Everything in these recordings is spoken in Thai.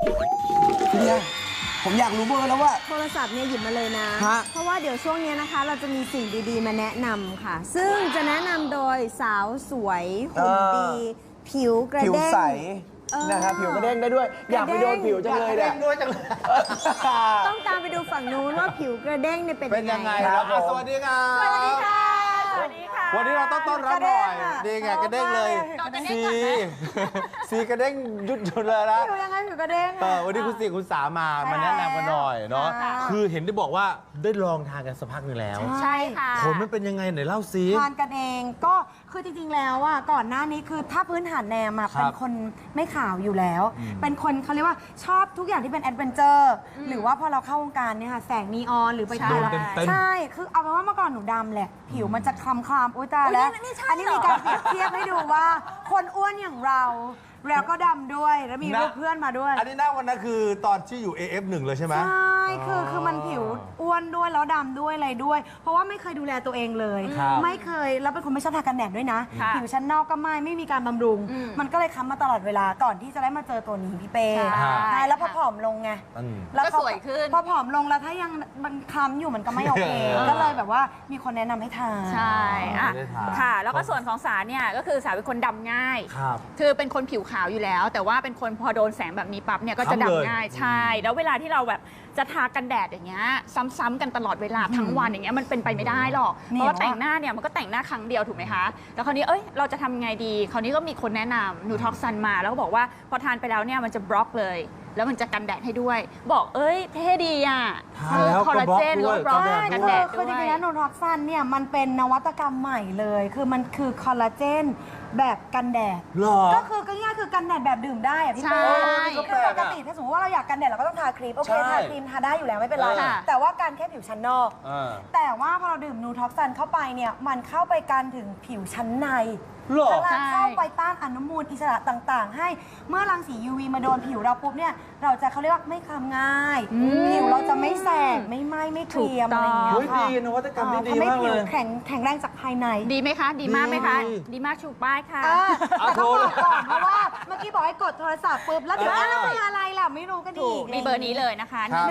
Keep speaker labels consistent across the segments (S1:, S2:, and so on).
S1: พี่เดียผมอยากรู้เบอร์แล้วว่า
S2: โทรศัพท์เนี่ยหยิบมาเลยนะ เพราะว่าเดี๋ยวช่วงนี้นะคะ เราจะมีสิ่งดีๆมาแนะนำค่ะ ซึ่งจะแนะนำโดยสาวสวยหุ่นดี ผิวกระ
S1: ผิว
S2: เด้ง
S1: ใสนะครับผิวกระเด้งได้ด้วย อยากไปโดนผิวจังเลยเนี่ย
S3: ด้วยจังเลย
S2: ต้องตามไปดูฝั่งนู้นว่าผิวกระเด้งเนี่ยเป็น
S3: เป็นยังไง
S2: ค
S3: ครับสวัสดีครับ
S2: สวัสดีค่ะ สวัสดีค่ะ
S3: วันนี้เราต้องต้อนรับหน่อยดีไงกระเด้งเลยสีกระเด้งยุดเลยนะ
S2: ผิวยังไงผิวกระเด้ง
S3: วันนี้คุณสีคุณสามาแนะนำกันหน่อยเนาะคือเห็นได้บอกว่าได้ลองทานกันสักพักหนึ่งแล้ว
S2: ใช่ค่ะ
S3: ผลมันเป็นยังไงไหนเล่าซิ
S4: ทานกันเองก็คือจริงๆแล้วอ่ะก่อนหน้านี้คือถ้าพื้นฐานแนมอ่ะ
S3: ครับ
S4: เป็นคนไม่ขาวอยู่แล้ว เป็นคนเขาเรียกว่าชอบทุกอย่างที่เป็นแอดเวนเจอร์หรือว่าพอเราเข้าวงการเนี่ยค่ะแสงนีออนหรือไป
S3: โดนเต็มๆ
S4: ใช่คือเอาเป็นว่าเมื่อก่อนหนูดำแหละผิวมันจะคล้ำๆอุ้ยตายแล้ว
S2: นี่ใช่
S4: อันนี้มีการเปรียบเทียบให้ดูว่าคนอ้วนอย่างเราแล้วก็ดำด้วยแล้วมีรูปเพื่อนมาด้วย
S3: อันนี้หน้าวันนั้นคือตอนที่อยู่ AF1 เลยใช่ไหม
S4: ใช่คือมันผิวอ้วนด้วยแล้วดำด้วยอะไรด้วย เพราะว่าไม่เคยดูแลตัวเองเลย
S3: ครับ
S4: ไม่เคยแล้วเป็นคนไม่ชอบทากันแดดด้วยนะ
S2: ค่ะ
S4: ผิวชั้นนอกก็ไม่มีการบำรุง มันก็เลยค้ำมาตลอดเวลาก่อนที่จะได้มาเจอตัวนี้พี่เป้
S2: ใช่
S4: ใช่แล้วพอผอมลงไง
S3: อืม
S4: แล้ว
S2: ก็สวยขึ้น
S4: พอผอมลงแล้วถ้ายังมันคล้ำอยู่มันก็ไม่โอเค ก็เลยแบบว่ามีคนแนะนำให้ทาน
S5: ใช่อ่ะ
S3: ไม่ได้ทาน
S5: ค่ะ แล้วก็ส่วนของสาเนี่ยก็คือสาเป็นคนดำง่าย
S3: ครับ
S5: คือเป็นคนผิวขาวอยู่แล้ว แต่ว่าเป็นคนพอโดนแสงแบบนี้ปั๊บเนี่ยก็จะ
S3: ค้ำเลย
S5: ดำง่าย ใช่ แล้วเวลาที่เราแบบจะทากันแดดอย่างเงี้ยซ้ำๆกันตลอดเวลาทั้งวันอย่างเงี้ยมันเป็นไปไม่ได้หรอก เพราะว่าแต่งหน้าเนี่ยมันก็แต่งหน้าครั้งเดียวถูกไหมคะ แล้วคราวนี้เราจะทำไงดี คราวนี้ก็มีคนแนะนำนูท็อกซันมาแล้วก็บอกว่าพอทานไปแล้วเนี่ยมันจะบล็อกเลย แล้วมันจะกันแดดให้ด้วย บอกเท่ดีอ่ะ
S3: ทานแล้ว
S5: คอลลาเจน
S3: ก็
S5: ก็
S3: บบ ล็
S5: ล็
S3: อ
S5: อก ก
S3: ด้วย
S5: กันแดด
S4: คือจ
S5: ด้ว
S4: ริงๆ
S5: ย
S4: แล้วโนท็อกซันเนี่ยมันเป็นนวัตกรรมใหม่เลย คือมันคือคอลลาเจนแบบกันแดด
S3: หรอ
S4: ก็คือง่ายๆคือกันแดดแบบดื่มได้อะพี่
S5: ใช่
S4: เป้
S3: ก็แป
S4: คือ
S3: ล
S4: ป
S3: ก
S4: ก
S3: อะ
S4: ติถ้าสมมติว่าเราอยากกันแดดเราก็ต้องทาครีมโอเค
S3: ใช่
S4: ทาครีมทาได้อยู่แล้วไม่เป็นไร
S5: ค่ะ
S4: แต่ว่าการแค่ผิวชั้นนอก แต่ว่าพอเราดื่มนูท็อกซันเข้าไปเนี่ยมันเข้าไปกันถึงผิวชั้นใน
S3: หรอ
S4: แล้วเข้าไปต้านอนุมูลอิสระต่างๆ ให้เมื่อรังสี UV มาโดนผิวเราปุ๊บเนี่ยเราจะเขาเรียกว่าไม่คล้ำง่าย ผิวเราจะไม่แสบไม่ไหม้ไม่เกรียมอะไรอย่างเงี้ย
S3: เฮ้ย
S4: ค่ะ
S3: ดีนวัตกรรมนี่ดี
S4: ทำให้
S3: มาก
S4: ผิ
S3: เล
S4: วย แข็งแรงจากภายใน
S5: ดีไหมคะ ดีมากไหมคะ
S3: ดี
S5: ดีมากชูป้ายค่ะ
S4: แต่ต้องบอกก่อนเพราะว่าเมื่อกี้บอกให้กดโทรศัพท์ปุ๊บแล้วเดี๋ยวแล้วเป็นอะไรล่ะไม่รู้กัน
S5: ถู
S4: อี
S5: ก
S4: ก
S5: มีเบอร์นี้เลยนะคะ
S3: ครับ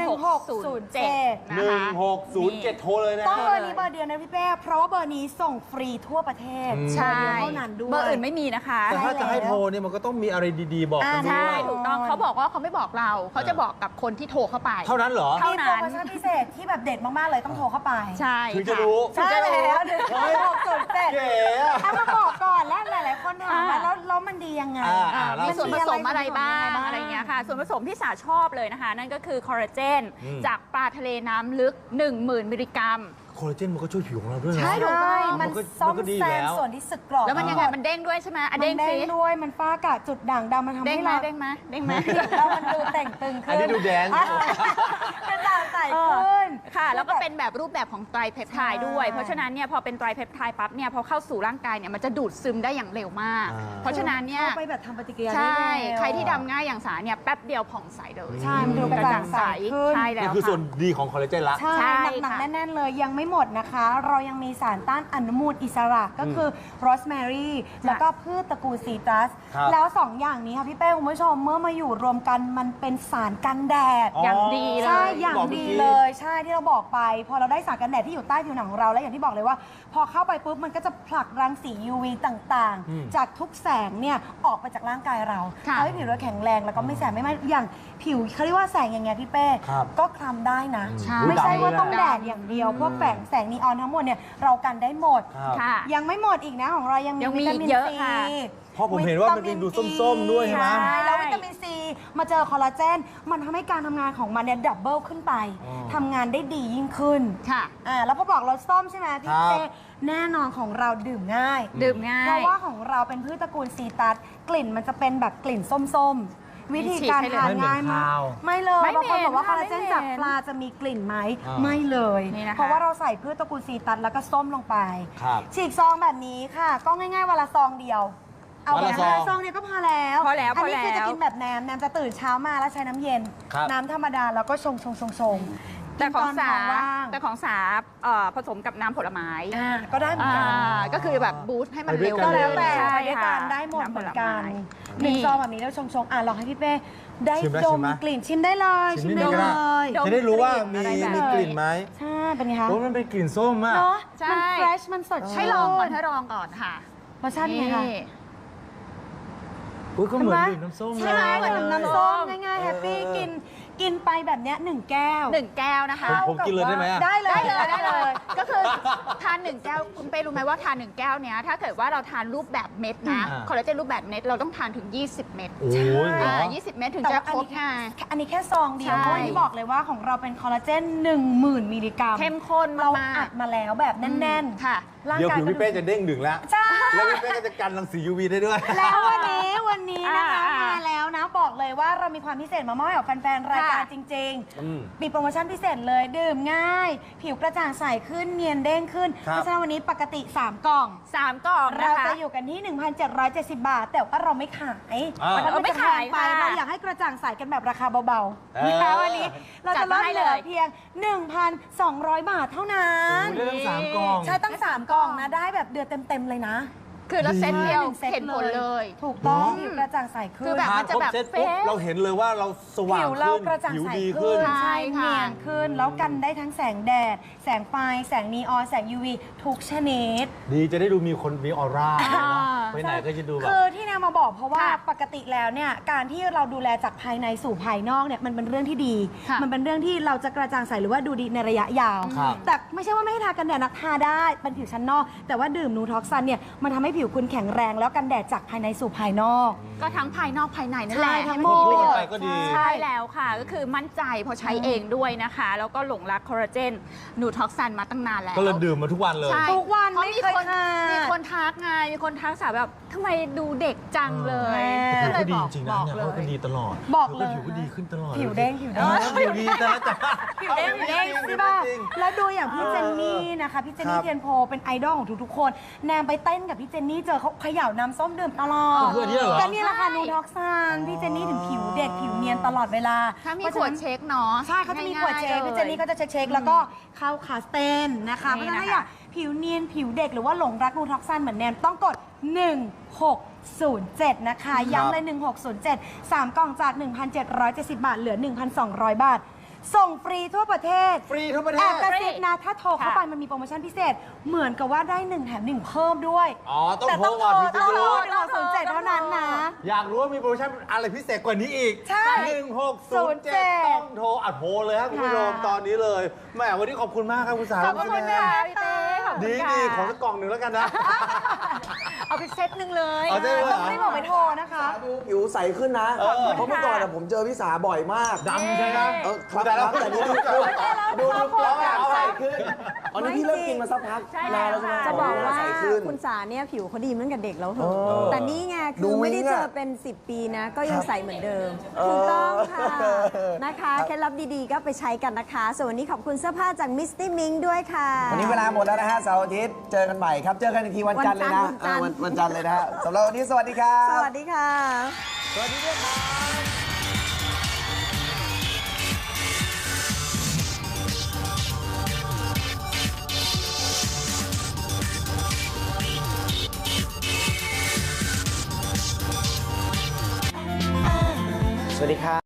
S5: 1607 นะคะ
S3: 1607 โทรเลยนะ
S4: ต้องเบอร์นี้เบอร์เดียวนะพี่เป้เพราะว่าเบอร์นี้ส่งฟรีทั่วประเทศ
S5: ใช่
S4: เบอร์เดียวเท่านั้นด้วย
S5: เบอร์อื่นไม่มีนะคะ
S3: แต่ถ้าจะให้โทรเนี่ยมันก็ต้องมีอะไรดีๆ บอกกันด้
S5: ใช่
S3: วย
S5: ถูกต้องเขาบอกว่าเขาไม่บอกเรา เขาจะบอกกับคนที่โทรเข้าไป
S3: เท่านั้นเหรอ
S5: เท่า
S4: มี
S5: นั้น
S4: โปรโมชั่นพิเศษที่แบบเด็ดมาก ๆ เลยต้องโทรเข้าไป
S5: ใช่
S3: ถึงจะ
S5: ค่
S3: รู้
S4: ใช่แล้วเดี๋ยว607
S3: เก๋อะ
S4: เอามาบอกก่อนแล้วหลาย ๆ คนถามว่าแล้วมันดียังไง
S3: เล่า
S5: มีส่วนผสมอะไรบ้าง
S4: มี
S5: อะไรอย่างเงี้ยค่ะ ส่วนผสมที่สาชอบเลยนะคะ นั่นก็คือคอลลาเจน
S3: อืม
S5: จากปลาทะเลน้ำลึก 10,000 มิลลิกรัม
S3: คอลลาเจนมันก็ช่วยผิวของเราด้วยนะ
S4: ใช่ถูกต้องมัน
S3: มันก็
S4: ซ่อม
S3: มันก็ดี
S4: แซ
S3: แล้
S4: ม
S3: ว
S4: ส่วนที่สึกกร่อน
S5: แล้วมันยังไง มันเด้งด้วยใช่ไหมอ่ะ
S4: มัน
S5: เด้ง
S4: เด้
S5: สิ
S4: งด้วยมันฟ้ากระจุดด่างดำมันทำ
S5: เด้ง
S4: ให้
S5: ไหม
S4: เรา
S5: เด้งไหมเด้งไหม
S4: แล้วมันดูแต่งตึงขึ้น
S3: อันนี้ดูแดนซ์
S4: เป็นด่างใสขึ้น
S5: ค่ะ แล้วก็เป็นแบบรูปแบบของไตรเพปไทด์ด้วย เพราะฉะนั้นเนี่ยพอเป็นไตรเพปไทด์ปั๊บเนี่ยพอเข้าสู่ร่างกายเนี่ยมันจะดูดซึมได้อย่างเร็วมาก เพราะฉะนั้นเนี่ย
S4: เข้าไปแบบทำปฏิกิริยา
S5: ใช่
S4: ได้เร็ว
S5: ใครที่ดำง่ายอย่างสาเนี่ยแป๊บเดียวผ่องใสเลย
S4: ใช่มันดูกระจ่างใสขึ้น
S5: ใช่แล้
S3: นี่
S5: ว
S3: คือส่วน
S5: ค่ะ
S3: ดีของคอลลาเจนละ
S4: ใช่
S5: ใช่
S4: หนัก
S5: ค่ะ
S4: ๆแน่น ๆ เลยยังไม่หมดนะคะ เรายังมีสารต้านอนุมูลอิสระก็คือโรสแมรี่แล้วก็พืชตระกูลซีตรัส
S3: ครับ
S4: แล้ว 2 อย่างนี้ค่ะพี่เป้คุณผู้ชมเมื่อมาอยู่รวมกันมันเป็นสารกันแดด
S5: อย่างดีเล
S4: ใช่
S5: ย
S4: อย่าง
S3: บอกเมื่อ
S4: ดี
S3: กี้
S4: เลยใช่ที่เราบอกไป พอเราได้สารกันแดดที่อยู่ใต้ผิวหนังของเราแล้วอย่างที่บอกเลยว่า พอเข้าไปปุ๊บมันก็จะผลักรังสี UV ต่างๆ จากทุกแสงเนี่ยออกไปจากร่างกายเรา
S5: ค่ะ
S4: ทำให้ผิวเราแข็งแรงแล้วก็ไม่แสบไม่ไหม้อย่างผิวเขาเรียกว่าแสงอย่างเงี้ยพี่เป้
S3: ครับ
S4: ก็คล้ำได้นะ
S5: ใช่
S4: ไม่ใช่ว่า
S3: ดำเลยนะ
S4: ต้องแดดอย่างเดียวพวกแสงนีออนทั้งหมดเนี่ยเรากันได้หมด
S3: ครับ
S5: ค่ะ
S4: ยังไม่หมดอีกนะของเรายังมี
S5: ยังมี
S4: วิตามิน
S5: เยอะ
S4: ซี
S5: ค่ะ
S3: เพราะผมเห็นว่ามันเป็นดูส้มๆด้วยใช่ไหม
S4: ใช่แล้ววิตามินซีมาเจอคอลลาเจนมันทำให้การทำงานของมันเนี่ยดับเบิลขึ้นไป
S3: อ๋อ
S4: ทำงานได้ดียิ่งขึ้น
S5: ค่ะ
S4: แล้วพอบอกรสส้มใช่ไหมพี่
S3: ครับ
S4: เต้แน่นอนของเราดื่มง่าย
S5: ดื่มง่าย
S4: เพราะว่าของเราเป็นพืชตระกูลซีตัสกลิ่นมันจะเป็นแบบกลิ่นส้มๆ วิธีการทานง่ายมากไม่เลย
S5: ไม่
S4: บางคน
S5: เหม็น
S4: บอกว่าคอลลาเจน
S5: ไม่เหม็น
S4: จากปลาจะมีกลิ่นไหม
S3: อ่า
S4: ไม่เลย
S5: นี่นะคะ
S4: เพราะว่าเราใส่พืชตระกูลซีตัสแล้วก็ส้มลงไป
S3: ครับ
S4: ฉีกซองแบบนี้ค่ะ ก็ง่ายๆวันละซองเดียว เอา
S3: วัน
S4: แบ
S3: ละ
S4: บ
S3: ซอง
S4: 5 ซองเนี่ยก็พอแล้ว
S5: พอแล้ว
S4: อันนี้
S5: พอแล้ว
S4: คือจะกินแบบแนมจะตื่นเช้ามาแล้วใช้น้ำเย็น
S3: ครับ
S4: น้ำธรรมดาแล้วก็ชง
S5: แต่ของสา
S4: กินตนท้ว่าง
S5: แต่ของสาผสมกับน้ำผลไม้
S4: ก็ได้เหมือนกัน
S5: ก็คือแบบบูสต์ให้มัน
S3: ไปด้วย
S5: เร็ว
S3: กัน
S4: ก็แล้วแต่
S5: ใช่
S4: ไปด้วย
S5: ค่ะ
S4: กันได้หมดเหมือนกัน
S5: ำผลไม้
S4: หนึ่งซองแบบนี้แล้วชงลองให้พี่เป้ได้
S3: ชิมไหม
S4: ด
S3: ชิ
S4: ม
S3: มไหม
S4: กลิ่นชิมได้เลย
S3: ชิ
S4: ชิ
S3: ม
S4: ม
S3: นิ
S4: ได้
S3: ดนึงก็
S4: เล
S3: ได้
S4: ย
S5: ดม
S3: จะได้รู้ว่ามี
S5: อะไรแบบ
S3: มีกลิ่นไหม
S4: ใช่เป็นไงคะ
S3: โอ้มันเป็นกลิ่นส้มอ่ะ
S4: เนาะ
S5: ใช่
S4: มันเฟรชมันสดชื่น
S5: ให้ลองก่อนให้ลองก่อนค่ะ
S4: รสชาติเป็นไงคะ
S5: นี่
S3: อุ้ยก็เหมือนดื่มน้ำส้ม
S4: ใช่ไหม
S3: เลย
S4: เหมือนน้ำส้มง่ายๆแฮปปี้กินไปแบบเนี้ย1 แก้ว
S5: 1 แก้วนะคะ
S3: ผมกินเลยได้ไหมอะ
S4: ได้เลย
S5: ได้เลย ก็คือทาน 1 แก้วคุณเป้รู้ไหมว่าทาน 1 แก้วเนี้ยถ้าเกิดว่าเราทานรูปแบบเม็ดนะ
S3: อ่า
S5: คอลลาเจนรูปแบบเม็ดเราต้องทานถึง 20 เม็ด
S3: โอ้ยเหรอ
S5: 20 เม็ดถึง
S4: แต่
S5: จะ
S4: ว่า
S5: ครบไง
S4: อันนี้แค่ซองเดียว
S5: ใช่
S4: เพราะว่าที่บอกเลยว่าของเราเป็นคอลลาเจน 10,000 มิลลิกรัม
S5: เข้มข้น
S4: เรา
S5: มาก
S4: อัดมาแล้วแบบแน่น
S5: ค่ะ
S4: ๆร่าง
S3: เดี๋ยว
S4: กาย
S3: ผิวพี่เป้จะเด้งดึงแล้ว
S4: ใช่
S3: แล้วพี่เป้ก็จะกันรังสี UV ได้ด้วย
S4: แล้ววันนี้นะคะ
S5: อ่า
S4: มาแล้วนะบอกเลยว่าเรามีความพิเศษมามอบให้กับแฟนๆรายการ
S5: ค่ะ
S4: จริง
S3: อืม
S4: ๆมีโปรโมชั่นพิเศษเลยดื่มง่าย ผิวกระจ่างใสขึ้นเนียนเด้งขึ้น
S3: ครับ
S4: เพราะฉะนั้นวันนี้ปกติ 3 กล่อง
S5: 3 กล่องนะ
S4: เรา
S5: คะ
S4: จะอยู่กันที่ 1,770 บาท แต่ว่าเราไม่ขาย
S3: อ่า
S4: วันนั้นมัน
S5: ไม่
S4: จะแพ
S5: ขาย
S4: งไป
S5: ค่ะ
S4: เราอยากให้กระจ่างใสกันแบบราคาเบา
S3: เอ
S4: ๆ
S3: อ
S4: นะคะวันนี้เราจะลด
S5: จัดมาให้
S4: เหลือ
S5: เลย
S4: เพียง 1,200 บาทเท่านั้น
S3: โอ้โหได้ทั้งสามกล่อง
S4: ใช่ตั้ง 3 กล่องนะได้แบบเดือนเต็มๆเลยนะ
S5: คือเราเซตเดียว
S4: หนึ่งซต
S5: เห็นผลเลย
S4: ถูกต้อง
S5: อืม
S4: ผิวกระจ่างใสขึ้น
S5: คือแบบ
S3: ทาน
S5: มันจะ
S3: ครบ
S5: แบบ
S3: เซตปุ๊บ
S5: เฟซ
S3: เราเห็นเลยว่าเราสว่าง
S4: ผิว
S3: ขึ้
S4: เรา
S3: น
S4: กระจ่าง
S3: ผิว
S4: ใส
S3: ดี
S4: ขึ้
S3: ขึ้
S4: น
S3: น
S5: ใช่
S4: ใช่
S5: ค่ะ
S4: เนียนขึ้น แล้วกันได้ทั้งแสงแดด แสงไฟ แสงนีออน แสง UV ทุกชนิด
S3: ดีจะได้ดูมีคนมีออร่า
S5: อ่า
S3: ไปไหนก็จะดูแบบ
S4: คือที่แนวมาบอกเพราะว่า
S5: ค่ะ
S4: ปกติแล้วเนี่ยการที่เราดูแลจากภายในสู่ภายนอกเนี่ยมันเป็นเรื่องที่ดี
S5: ค่ะ
S4: มันเป็นเรื่องที่เราจะกระจ่างใสหรือว่าดูดีในระยะยาว
S3: ครับ
S4: แต่ไม่ใช่ว่าไม่ให้ทากันแดดนะทาได้เป็นผิวชั้นนอก แต่ว่าดื่มนูท็อกซันเนี่ยมันทำให้ผิวคุณแข็งแรงแล้วกันแดดจากภายในสู่ภายนอก
S5: ก็ทั้งภายนอกภายในนั่นแหละ
S4: ใช่ทั้ง
S5: ให้
S4: หม
S5: น
S4: ด
S5: ประโยชน์
S3: ไปก็ดี
S5: ใช่แล้วค่ะ ก็คือมั่นใจเพอใช้เองด้วยนะคะ แล้วก็หลงรักคอลลาเจนนูท็อกซันมาตั้งนานแล้ว
S3: ก็เลยดื่มมาทุกวันเลย
S5: ใช่
S4: ทุกวัน
S5: เพราะ
S4: ไม่
S5: มี
S4: เคย
S5: คน
S4: ขาด
S5: มีคนทักไงมีคนทักสาวแบบทำไมดูเด็กจังเลย
S4: แม่
S5: ก็เลย
S3: ดี
S5: บอก
S3: จริง
S5: บ
S3: นะ
S5: อก
S3: เนี่ย
S5: เล
S3: เขาก็
S5: ย
S3: ดีตลอด
S4: บอกเลย
S3: ผิวก็ดีขึ้นตลอด
S4: ผิวเด้งผิวเด้ง
S3: ผิวดีแต่ละจ้ะ
S5: ผิวเด้งผิวเด้ง
S4: ใช่ป่ะแล้วดูอย่างพี่เจนนี่นะคะ พี่เจนนี่
S3: ครับ
S4: เทียนโพเป็นไอดอลของทุกๆคน แนมไปเต้นกับพี่เจนนี่เจอเขาเขย่าน้ำส้มดื่มตลอด
S3: คืออันนี้เหรอ
S4: ก็นี่แหละค่ะนูท็อกซันพี่เจนนี่ถึงผิวเด็กผิวเนียนตลอดเวลา
S5: ถ้ามีขวดเช็คเนาะ
S4: ใช่เขาจะมีขวดเช็ค
S5: ง่ายๆ
S4: พี่เจนนี่ก็จะเช็คๆแล้วก็เข้าคาสเตนนะคะเพ
S5: นี่
S4: ราะฉะนั้น
S5: นะคะ
S4: ถ้าอยากผิวเนียนผิวเด็กหรือว่าหลงรักนูท็อกซันเหมือนแนมต้องกด 1607 นะคะย้ำเลย 1607 3 กล่องจาก 1,770 บาทเหลือ 1,200 บาท ส่งฟรีทั่วประเทศ
S3: ฟรีทั่วประเท
S4: แอ
S3: ศ
S4: บกระซิบนะ ถ้าโทรเข้าไปมันมีโปรโมชั่นพิเศษ เหมือนกับว่าได้ 1 แถม 1 เพิ่มด้วย
S3: อ๋อต้อง
S4: แต่
S3: โทรก่อนถึงจะ
S4: ต้อง
S3: รู้
S4: โทร1607 เท่านั้นนะ
S3: อยากรู้ว่ามีโปรโมชั่นอะไรพิเศษกว่านี้อีก
S4: ใช่
S3: 1607 ต้องโทรอัดโทรเลยครับคุณผู้ชม
S4: ค่ะ
S3: ตอนนี้เลยแหมวันนี้ขอบคุณมากครับคุณสาว
S5: ขอบคุณ
S3: แม่
S5: ค่ะพี่เต้ขอบคุณ
S3: ดี
S5: ค่ะ
S3: ดีขอสักกล่องหนึ่งแล้วกันนะ
S5: เอาไปเซตหนึ่งเลย
S3: เอาได้เลยเหรอ
S4: ไม่บอกไปโทรนะคะ
S1: ดูผิวใสขึ้นนะ
S3: เออ
S1: เพราะเมื่อก่อนอะผมเจอพี่สาบ่อยมาก
S3: ดำใช่ไหม
S1: ครับ
S3: แต่
S1: ค
S3: เรา
S1: รับแต่นี่ดูใสขึ้นอันนี้พี่เริ่มกินมาสักพัก
S5: ใช่
S1: นานแล้วใช่ไหม
S2: จะบอกว่า
S1: ใสขึ้น
S2: คุณสาเนี่ยผิวเขาดีเหมือนกับเด็กแล้วเถ
S1: เอ
S2: อะ
S1: อ
S2: แต่นี่ไง
S1: ดู
S2: คือไม่ได้
S1: วิ่ง
S2: เจ
S1: อะ
S2: อเป็น 10 ปีนะ ก็ยังใสเหมือนเดิม
S1: เออ
S2: ถูกต้องค่ะ นะคะ
S1: ครับ
S2: เคล็ดลับดีๆ ก็ไปใช้กันนะคะ ส่วนวันนี้ขอบคุณเสื้อผ้าจากมิสตี้มิงด้วยค่ะ
S1: วันนี้เวลาหมดแล้วนะฮะเสาร์อาทิตย์เจอกันใหม่ครับ เจอกันอีกทีวันจันทร์เลยนะ
S2: วันจันทร์
S1: วันจันทร์เลยนะฮะสำหรับวันนี้สวัสดีครับ
S2: สวัสดีค่ะ
S1: สวัสดีด้วยครับสวัสดีครับ